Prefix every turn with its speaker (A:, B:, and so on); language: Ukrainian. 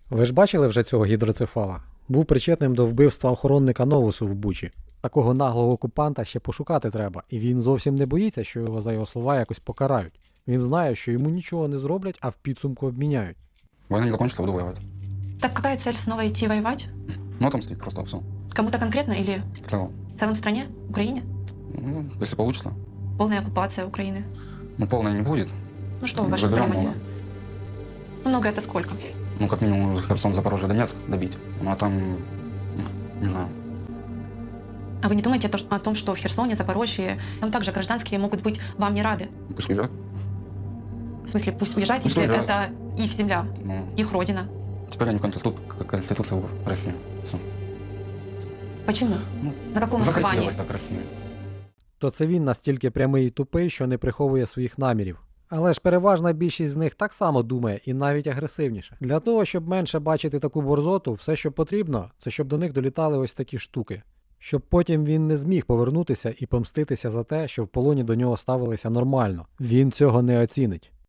A: Ви ж бачили вже цього гідроцефала? Був причетним до вбивства охоронника Новусу в Бучі. Такого наглого окупанта ще пошукати треба, і він зовсім не боїться, що його за його слова якось покарають. Він знає, що йому нічого не зроблять, а в підсумку обміняють.
B: Война не закончится, буду воевать.
C: Так какая цель снова идти воевать?
B: Ну, отомстить просто, все.
C: Кому-то конкретно или
B: В целом.
C: в целом стране? Украине?
B: Ну, если получится.
C: Полная оккупация Украины.
B: Ну, полной не будет.
C: Ну что, ваше
B: Заберем
C: понимание?
B: много.
C: Много это сколько?
B: Ну, как минимум, Херсон, Запорожье, Донецк добить. Ну, а там, не знаю.
C: А вы не думаете о том, что в Херсоне, Запорожье, там также гражданские могут быть вам не рады?
B: Пусть уезжают.
C: В смысле, пусть уезжать,
B: Пусть
C: если
B: уезжают.
C: это их земля,
B: Ну,
C: их родина.
B: теперь они Конституцию в России. Все.
C: Почему?
B: Ну,
C: На каком основании?
B: захотелось так России.
A: То це він настільки прямий і тупий, що не приховує своїх намірів. Але ж переважна більшість з них так само думає і навіть агресивніше. Для того, щоб менше бачити таку борзоту, все, що потрібно, це щоб до них долітали ось такі штуки. Щоб потім він не зміг повернутися і помститися за те, що в полоні до нього ставилися нормально. Він цього не оцінить.